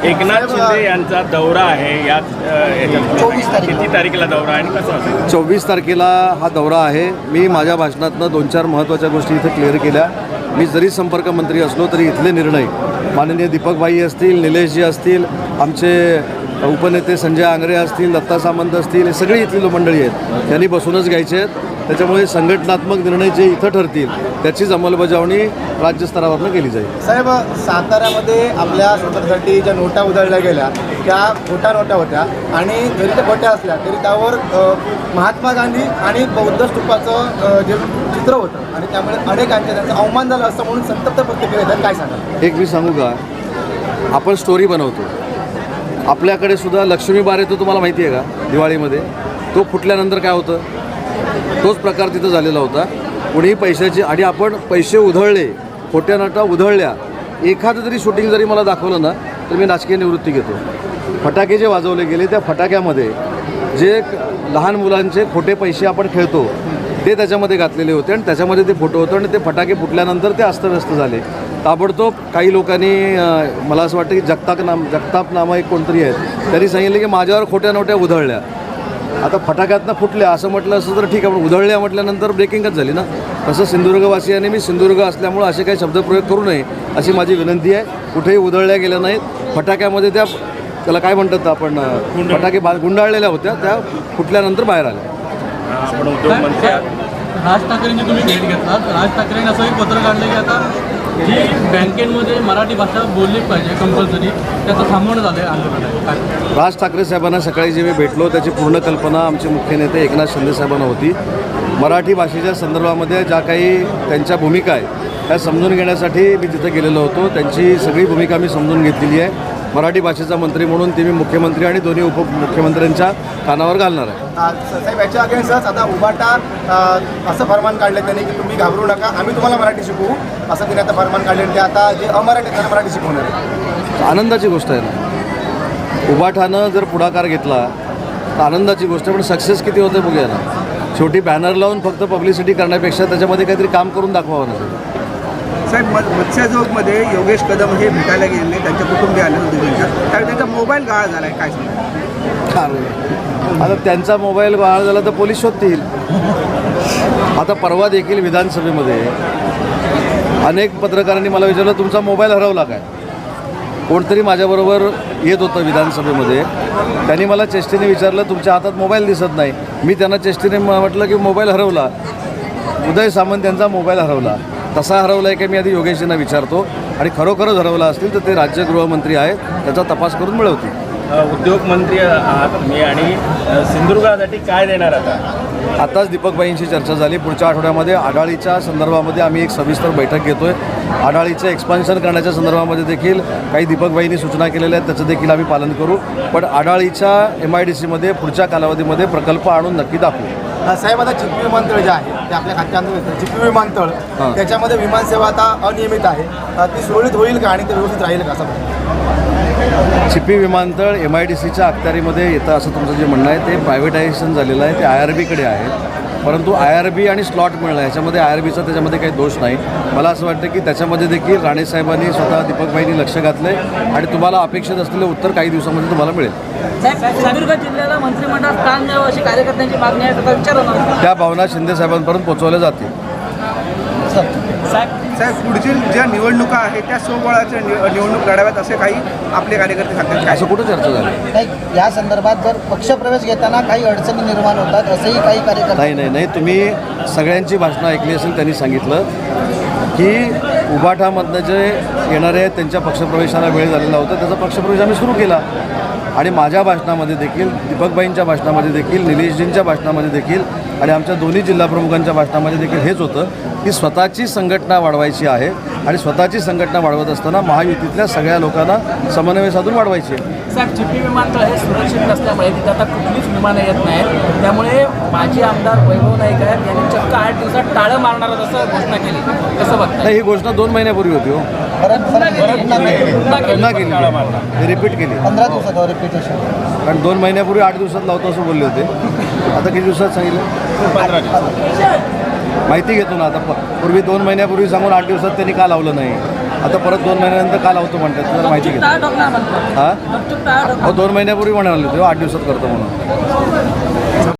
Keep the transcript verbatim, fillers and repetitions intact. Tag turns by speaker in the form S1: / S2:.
S1: एकनाथ शिंदे यांचा दौरा आहे यात
S2: चोवीस तारीख
S1: किती तारखेला दौरा आहे आणि कसं असेल?
S3: चोवीस तारखेला हा दौरा आहे. मी माझ्या भाषणातनं दोन चार महत्त्वाच्या गोष्टी इथे क्लिअर केल्या. मी जरी संपर्क मंत्री असलो तरी इथले निर्णय माननीय दीपकभाई असतील, निलेशजी असतील, आमचे उपनेते संजय आंग्रे असतील, दत्ता सामंत असतील, हे सगळी इथली मंडळी आहेत, त्यांनी बसूनच घ्यायचे आहेत. त्याच्यामुळे संघटनात्मक निर्णय जे इथं ठरतील त्याचीच अंमलबजावणी राज्यस्तरावरनं केली जाईल.
S2: साहेब, साताऱ्यामध्ये आपल्या स्वतंत्रसाठी ज्या नोटा उधळल्या गेल्या त्या खोट्या नोटा होत्या आणि जरी त्या खोट्या असल्या तरी त्यावर अ, महात्मा गांधी आणि बौद्ध स्तूपाचं अ, जे चित्र होतं आणि त्यामुळे अनेकांच्या त्यांचा अवमान झाला असं म्हणून संतप्त प्रतिक्रिया येतात. काय सांगा?
S3: एक मी सांगू का, आपण स्टोरी बनवतो. आपल्याकडे सुद्धा लक्ष्मी बार येतो, तुम्हाला माहिती आहे का? दिवाळीमध्ये तो फुटल्यानंतर काय होतं, तोच प्रकार तिथं झालेला होता. कुणीही पैशाची आणि आपण पैसे उधळले, खोट्या नोटा उधळल्या, एखादं तरी शूटिंग जरी मला दाखवलं ना तर मी राजकीय निवृत्ती घेतो. फटाके जे वाजवले गेले त्या फटाक्यामध्ये जे लहान मुलांचे खोटे पैसे आपण खेळतो ते त्याच्यामध्ये घातलेले होते आणि त्याच्यामध्ये ते फोटो होतं आणि ते फटाके फुटल्यानंतर ते अस्तव्यस्त झाले. ताबडतोब काही लोकांनी, मला असं वाटतं की जगताप नाम जगताप नामं एक कोणतरी आहेत, त्यांनी सांगितलं की माझ्यावर खोट्या नोट्या उधळल्या. आता फटाक्यातनं फुटल्या असं म्हटलं असं तर ठीक आहे, पण उधळल्या म्हटल्यानंतर ब्रेकिंगच झाली ना. तसं सिंधुदुर्गवासियांनी मी सिंधुदुर्ग असल्यामुळं असे काही शब्दप्रयोग करू नये अशी माझी विनंती आहे. कुठेही उधळल्या गेल्या नाहीत. फटाक्यामध्ये त्या त्याला काय म्हणतात आपण, फटाके बा गुंडाळलेल्या होत्या, त्या फुटल्यानंतर बाहेर आल्या.
S1: आपण उद्योगमंत्री आहात.
S4: राज ठाकरेंची तुम्ही भेट घेतलात. राज ठाकरेंनी असं एक पत्र काढलं की आता जी बँकेमध्ये मराठी भाषा बोलली पाहिजे कंपल्सरी, त्याचं थांबवणं झालं आहे आंदोलन.
S3: राज ठाकरे साहेबांना सकाळी जे मी भेटलो त्याची पूर्ण कल्पना आमचे मुख्य नेते एकनाथ शिंदे साहेबांना होती. मराठी भाषेच्या संदर्भामध्ये ज्या काही त्यांच्या भूमिका आहे त्या समजून घेण्यासाठी मी तिथे गेलेलो होतो. त्यांची सगळी भूमिका मी समजून घेतलेली आहे. मराठी भाषेचा मंत्री म्हणून ती मी मुख्यमंत्री आणि दोन्ही उपमुख्यमंत्र्यांच्या कानावर घालणार आहे.
S2: साहेब, याच्या अगेन्स्टच आता उभाटा अ, असं फरमान काढलं त्यांनी की तुम्ही घाबरू नका, आम्ही तुम्हाला मराठी शिकवू असं त्यांनी आता फरमान काढले. ते आता जे अमराठी त्यांना मराठी शिकवणार आहे.
S3: आनंदाची गोष्ट आहे ना. उभाठानं जर पुढाकार घेतला तर आनंदाची गोष्ट आहे, पण सक्सेस किती होते बघूया ना. शेवटी बॅनर लावून फक्त पब्लिसिटी करण्यापेक्षा त्याच्यामध्ये काहीतरी काम करून दाखवावं ना.
S5: साहेब, म मत्स्यजोगमध्ये योगेश कदम हे भेटायला गेले, त्यांच्या कुटुंबीय आले होते त्यांच्या, त्यावेळी त्यांचा मोबाईल गहाळ झाला आहे. काय सांगा?
S3: आता त्यांचा मोबाईल गहाळ झाला तर पोलीस शोधतील. आता परवा देखील विधानसभेमध्ये अनेक पत्रकारांनी मला विचारलं तुमचा मोबाईल हरवला काय. कोणतरी माझ्याबरोबर येत होतं विधानसभेमध्ये, त्यांनी मला चेष्टेने विचारलं तुमच्या हातात मोबाईल दिसत नाही. मी त्यांना चेष्टेने म्हटलं की मोबाईल हरवला. उदय सामंत यांचा मोबाईल हरवला. तसा हरवला आहे की मी आधी योगेशजींना विचारतो आणि खरोखरच हरवला असतील तर ते राज्य गृहमंत्री आहेत, त्याचा तपास करून मिळवतील.
S1: उद्योगमंत्री आहात तुम्ही आणि सिंधुदुर्गासाठी काय देणार आता?
S3: आताच दीपकबाईंशी चर्चा झाली. पुढच्या आठवड्यामध्ये आढाळीच्या संदर्भामध्ये आम्ही एक सविस्तर बैठक घेतो आहे. आढाळीचं एक्सपान्शन करण्याच्या संदर्भामध्ये देखील काही दीपकबाईंनी सूचना केलेल्या आहेत, त्याचं देखील आम्ही पालन करू. पण आढाळीच्या एम आय डी सीमध्ये पुढच्या कालावधीमध्ये प्रकल्प आणून नक्की दाखवू.
S2: साहेब, आता चिपी विमानतळ जे आहे ते आपल्या खात्यामध्ये येतं. चिपी विमानतळ त्याच्यामध्ये विमानसेवा आता अनियमित आहे, ती सुरळीत होईल का आणि ते व्यवस्थित राहील का? असं
S3: चिपी विमानतळ एम आय डी सीच्या अखत्यारीमध्ये येतं असं तुमचं जे म्हणणं आहे ते प्रायव्हेटायझेशन झालेलं आहे, ते आय आर बीकडे आहे. परंतु आय आर बी आणि स्लॉट मिळणं ह्याच्यामध्ये आय आर बीचा त्याच्यामध्ये काही दोष नाही. मला असं वाटतं की त्याच्यामध्ये देखील राणेसाहेबांनी स्वतः दीपकबाईंनी लक्ष घातलं आहे आणि तुम्हाला अपेक्षित असलेलं उत्तर काही दिवसामध्ये तुम्हाला मिळेल.
S6: सिंधुदुर्ग जिल्ह्याला मंत्रिमंडळात स्थान द्यावं अशी कार्यकर्त्यांची मागणी आहे, त्याचा विचार होणार.
S3: त्या भावना शिंदे साहेबांपर्यंत पोहोचवल्या जातील.
S5: साहेब, पुढची ज्या निवडणुका आहेत त्या स्वबळाच्या निवडणूक लढाव्यात असे काही आपले कार्यकर्ते सांगतात.
S3: असं कुठं चर्चा झाली
S2: नाही. या संदर्भात जर पक्षप्रवेश घेताना काही अडचणी निर्माण होतात असंही काही कार्यकर्ते.
S3: नाही नाही नाही तुम्ही सगळ्यांची भाषणं ऐकली असेल. त्यांनी सांगितलं की उभाठामधनं जे येणारे आहेत त्यांच्या पक्षप्रवेशाला वेळ झालेला होता, त्याचा पक्षप्रवेश आम्ही सुरू केला. आणि माझ्या भाषणामध्ये देखील, दीपकबाईंच्या भाषणामध्ये देखील, निलेशजींच्या भाषणामध्ये देखील आणि आमच्या दोन्ही जिल्हाप्रमुखांच्या भाषणामध्ये देखील हेच होतं की स्वतःची संघटना वाढवायची आहे आणि स्वतःची संघटना वाढवत असताना महायुतीतल्या सगळ्या लोकांना समन्वय साधून वाढवायची आहे.
S6: साहेब, चिपी विमानतळ हे सुरक्षित नसल्यामुळे तिथे आता कुठलीच विमानं येत नाहीत, त्यामुळे माजी आमदार वैभव नाईक आहेत यांनी चक्क आठ दिवसात टाळं मारणार असं घोषणा केली. कसं बघता?
S3: नाही, ही घोषणा दोन महिन्यापूर्वी होती. हो, पुन्हा केली, रिपीट केली.
S2: पंधरा दिवसात रिपीटेशन.
S3: कारण दोन महिन्यापूर्वी आठ दिवसात लावतो असं बोलले होते. आता किती दिवसात सांगितलं?
S1: पंधरा दिवसात.
S3: माहिती घेतो ना. आता पूर्वी दोन महिन्यापूर्वी सांगून आठ दिवसात त्यांनी का लावलं नाही. आता परत दोन महिन्यानंतर का लावतो म्हणतात जरा माहिती घेतो
S6: टाळा ठोकणार म्हणतात
S3: हां
S6: गपचूप टाळा ठोकणार.
S3: हो दोन महिन्यापूर्वी म्हणाले तेव्हा आठ दिवसात करतो म्हणून